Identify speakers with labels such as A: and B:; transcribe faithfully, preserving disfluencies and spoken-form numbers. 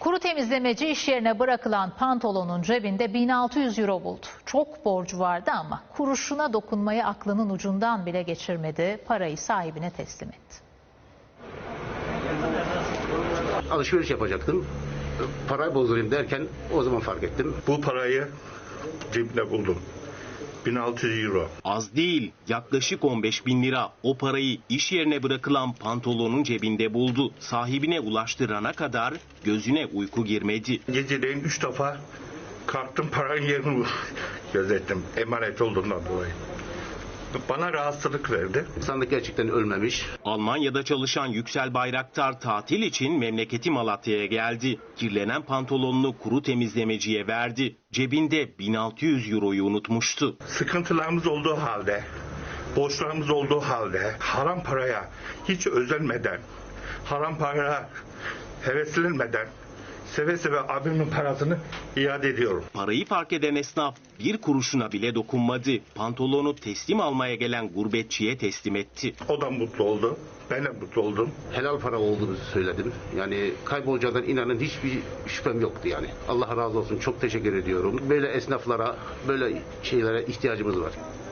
A: Kuru temizlemeci iş yerine bırakılan pantolonun cebinde bin altı yüz euro buldu. Çok borcu vardı ama kuruşuna dokunmayı aklının ucundan bile geçirmedi. Parayı sahibine teslim etti.
B: Alışveriş yapacaktım. Parayı bozdurayım derken o zaman fark ettim.
C: Bu parayı cebimde buldum. bin altı yüz euro.
D: Az değil, yaklaşık on beş bin lira. O parayı iş yerine bırakılan pantolonun cebinde buldu. Sahibine ulaştırana kadar gözüne uyku girmedi.
C: Geceleyin üç defa kalktım, paranın yerini gözettim. Emanet olduğundan dolayı. Bana rahatsızlık verdi.
B: Sandık gerçekten ölmemiş.
D: Almanya'da çalışan Yüksel Bayraktar tatil için memleketi Malatya'ya geldi. Kirlenen pantolonunu kuru temizlemeciye verdi. Cebinde bin altı yüz euroyu unutmuştu.
C: Sıkıntılarımız olduğu halde, borçlarımız olduğu halde haram paraya hiç özenmeden, haram paraya heveslenmeden seve seve abimin parasını iade ediyorum.
D: Parayı fark eden esnaf bir kuruşuna bile dokunmadı. Pantolonu teslim almaya gelen gurbetçiye teslim etti.
C: O da mutlu oldu. Ben de mutlu oldum.
B: Helal para olduğunu söyledim. Yani kaybolacağından inanın hiçbir şüphem yoktu yani. Allah razı olsun. Çok teşekkür ediyorum. Böyle esnaflara, böyle şeylere ihtiyacımız var.